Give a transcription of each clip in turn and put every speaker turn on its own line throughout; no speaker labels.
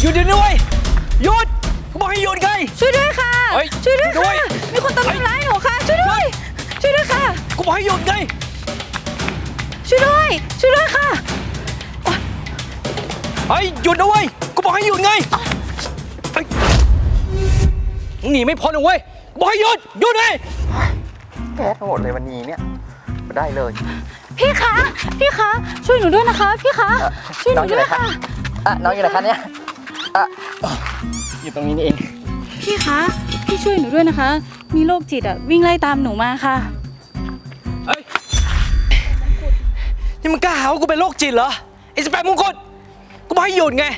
หยุดเดี๋ยวนี้เว้ยหยุดกูบอกให้หยุดไง
ช่วยด้วยค่ะช่วยด้วยค่ะมีคนตามทำร้ายหนูค่ะช่วยด้วยค่ะ
กูบอกให้หยุดไง
ช่วยด้วยค่ะ
หยุดนะเว้ยกูบอกให้หยุดไงหนีไม่พ้นนะเว้ยกูบอกให้หยุดไง
แก้ทั้งหมดเลยวันนี้เนี่ยมาได้เลย
พี่คะช่วยหนูด้วยนะคะพี่คะช่วยหนูด้วยค่ะ
น้องอยู่ไหนคะเนี่ยอยู่ตรงนี้นี่เอง
พี่คะพี่ช่วยหนูด้วยนะคะมีโรคจิตวิ่งไล่ตามหนูมาค่ะ
นี่มึงกล้าหาว่ากูเป็นโรคจิตเหรอไอ้18 มงกุฎกูบอกให้หยุดไง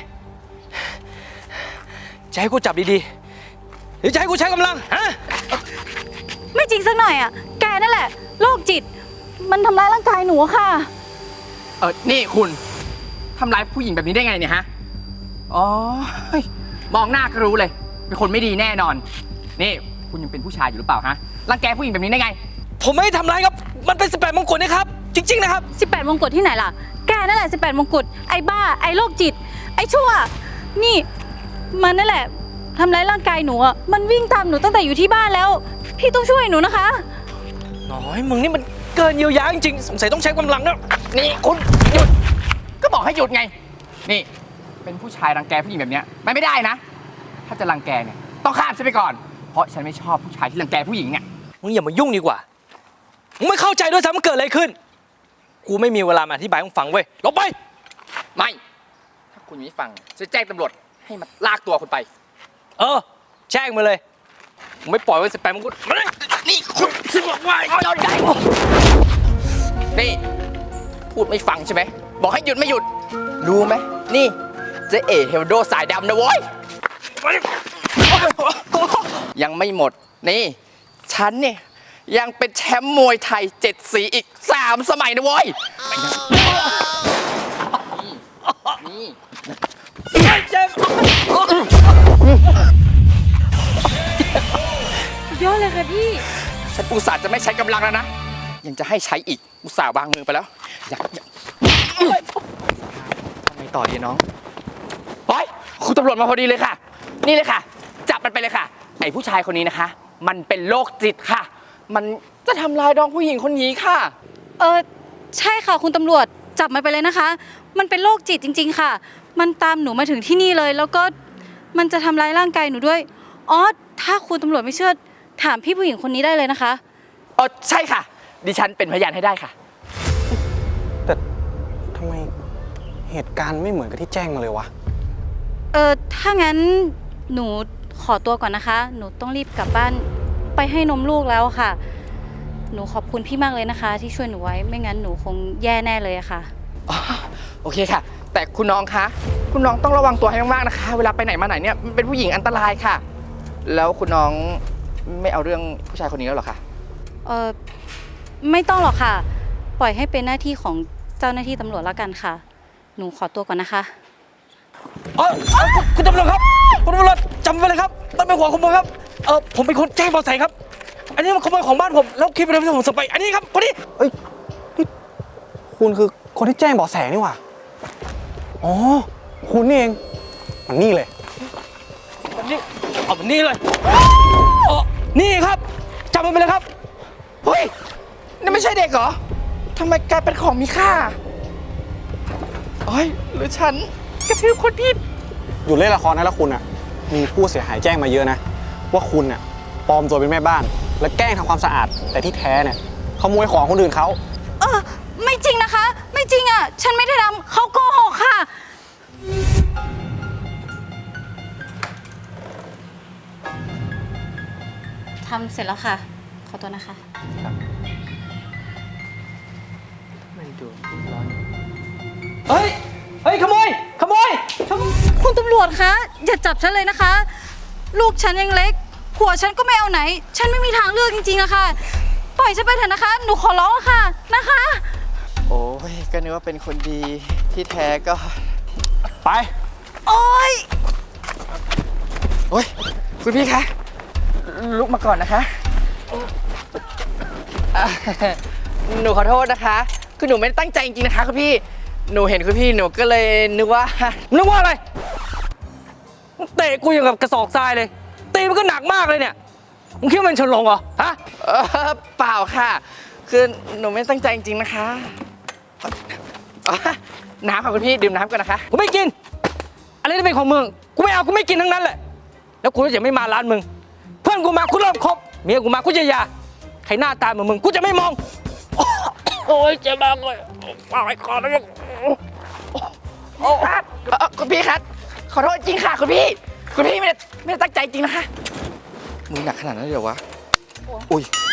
จะให้กูจับดีๆหรือจะให้กูใช้กำลังฮะ
ไม่จริงสักหน่อยแกนั่นแหละโรคจิตมันทำร้ายร่างกายหนูค่ะ
นี่คุณทำร้ายผู้หญิงแบบนี้ได้ไงเนี่ยฮะอ๋อมองหน้าก็รู้เลยเป็นคนไม่ดีแน่นอนนี่คุณยังเป็นผู้ชายอยู่หรือเปล่าฮะรังแกผู้หญิงแบบนี้ได้ไง
ผมไม่ได้ทำร้ายครับมันเป็น18 มงกุฎนะครับจริงๆนะครับ
18 มงกุฎที่ไหนล่ะแกนั่นแหละ18 มงกุฎไอ้บ้าไอ้โรคจิตไอ้ชั่วนี่มันนั่นแหละทำร้ายร่างกายหนูมันวิ่งตามหนูตั้งแต่อยู่ที่บ้านแล้วพี่ต้องช่วยหนูนะคะ
น้อยมึงนี่มันเกินเยียวยาจริงๆสงสัยต้องใช้กำลังนะ
นี่คุณหยุดก็บอกให้หยุดไงนี่เป็นผู้ชายรังแกผู้หญิงแบบนี้ไม่ได้นะถ้าจะรังแกเนี่ยต้องฆ่าฉันไปก่อนเพราะฉันไม่ชอบผู้ชายที่รังแกผู้หญิงเนี่ย
มึงอย่ามายุ่งดีกว่ามึงไม่เข้าใจด้วยซ้ำมันเกิดอะไรขึ้นกูไม่มีเวลามาอธิบายให้มึงฟังเว้ยลบไป
ไม่ถ้าคุณไม่ฟังจะแจ้งตำรวจให้มาลากตัวคุณไป
แจ้งมาเลยมึงไม่ปล่อยไว้18 มงกุฎ
นี่คุณซึ่งบอกว่าโดนใจนี่พูดไม่ฟังใช่ไหมบอกให้หยุดไม่หยุดรู้ไหมนี่เจ๊เอ๋เฮลโดสายดำนะโว้ยยังไม่หมดนี่ฉันเนี่ยยังเป็นแชมป์มวยไทย7 สีอีก3 สมัยนะโว้ยนี่
เจ็บ
สุดยอดเลยค่ะพี่
ฉันอุตส่าห์จะไม่ใช้กำลังแล้วนะยังจะให้ใช้อีกอุตส่าห์วางมือไปแล้วอยากทำไงต่อดีน้องเฮ้ยคุณตำรวจมาพอดีเลยค่ะนี่เลยค่ะจับมันไปเลยค่ะไอ้ผู้ชายคนนี้นะคะมันเป็นโรคจิตค่ะมันจะทำลายน้องผู้หญิงคนนี้ค่ะ
ใช่ค่ะคุณตำรวจจับมันไปเลยนะคะมันเป็นโรคจิตจริงๆค่ะมันตามหนูมาถึงที่นี่เลยแล้วก็มันจะทำร้ายร่างกายหนูด้วยถ้าคุณตำรวจไม่เชื่อถามพี่ผู้หญิงคนนี้ได้เลยนะคะ
ใช่ค่ะดิฉันเป็นพยานให้ได้ค่ะ
แต่ทำไมเหตุการณ์ไม่เหมือนกับที่แจ้งมาเลยวะ
ถ้างั้นหนูขอตัวก่อนนะคะหนูต้องรีบกลับบ้านไปให้นมลูกแล้วค่ะหนูขอบคุณพี่มากเลยนะคะที่ช่วยหนูไว้ไม่งั้นหนูคงแย่แน่เลยค่ะ
โอเคค่ะแต่คุณน้องคะคุณน้องต้องระวังตัวให้มากๆนะคะเวลาไปไหนมาไหนเนี่ยมันเป็นผู้หญิงอันตรายค่ะแล้วคุณน้องไม่เอาเรื่องผู้ชายคนนี้แล้วหรอคะ
ไม่ต้องหรอกค่ะปล่อยให้เป็นหน้าที่ของเจ้าหน้าที่ตำรวจแล้วกันค่ะหนูขอตัวก่อนนะคะ
คุณตำรวจครับคุณตำรวจจำไว้เลยครับมันเป็นหัวขโมยครับผมเป็นคนแจ้งเบาะแสครับอันนี้มันขโมยของบ้านผมแล้วคลิปที่ผมส่งไปอันนี้ครับคนนี้
นี่คุณคือคนที่แจ้งเบาะแสนี่หว่าอ๋อคุณนี่เองมันนี่เลย
มันนี่เลยนี่ครับจำมันไปเลยครับ
เฮ้ยนี่ไม่ใช่เด็กเหรอทำไมกลายเป็นของมีค่าหรือฉันกระทืบคนผิด
อยู่เล่นละครนะแล้วคุณมีผู้เสียหายแจ้งมาเยอะนะว่าคุณปลอมตัวเป็นแม่บ้านและแกล้งทำความสะอาดแต่ที่แท้เนี่ยขโมยของคนอื่นเขา
ไม่จริงนะคะไม่จริงฉันไม่ได้ทำเขาโกหกค่ะทำเสร็จแล้วค่ะขอตัวนะคะ
มันดูร้อน
เฮ้ยขโมย
คุณตำรวจคะอย่าจับฉันเลยนะคะลูกฉันยังเล็กผัวฉันก็ไม่เอาไหนฉันไม่มีทางเลือกจริงๆนะคะปล่อยฉันไปเถอะนะคะหนูขอร้องค่ะนะคะ
โอ้ยก็นึกว่าเป็นคนดีที่แท้ก็
ไป
โอ้ย
คุณพี่คะลุกมาก่อนนะคะหนูขอโทษนะคะคือหนูไม่ได้ตั้งใจจริงๆนะคะคุณพี่หนูเห็นคุณพี่หนูก็เลยนึกว่า
อะไรเตะกูอย่างกับกระสอบทรายเลย ตีมันก็หนักมากเลยเนี่ย มึงคิดว่ามันฉลองเหรอ ฮะ
เปล่าค่ะ คือหนูไม่ตั้งใจจริงๆนะคะอ๋อน้ำค่ะคุณพี่ดื่มน้ำก่อนนะคะ
กูไม่กิน อะไรที่เป็นของมึง กูไม่เอา กูไม่กินทั้งนั้นแหละ แล้วกูจะไม่มาร้านมึง เพื่อนกูมากูเริ่มคบ เมียกูมากูจะหย่าใครหน้าตาเหมือนมึง กูจะไม่มอง โอ้ยเจ็บมากเลยปากคอแล้ว
คุณพี่ครับขอโทษจริงค่ะคุณพี่ไม่ได้ตั้งใจจริงนะคะมือหนักขนาดนั้นเลยเหรอวะ อุ้ย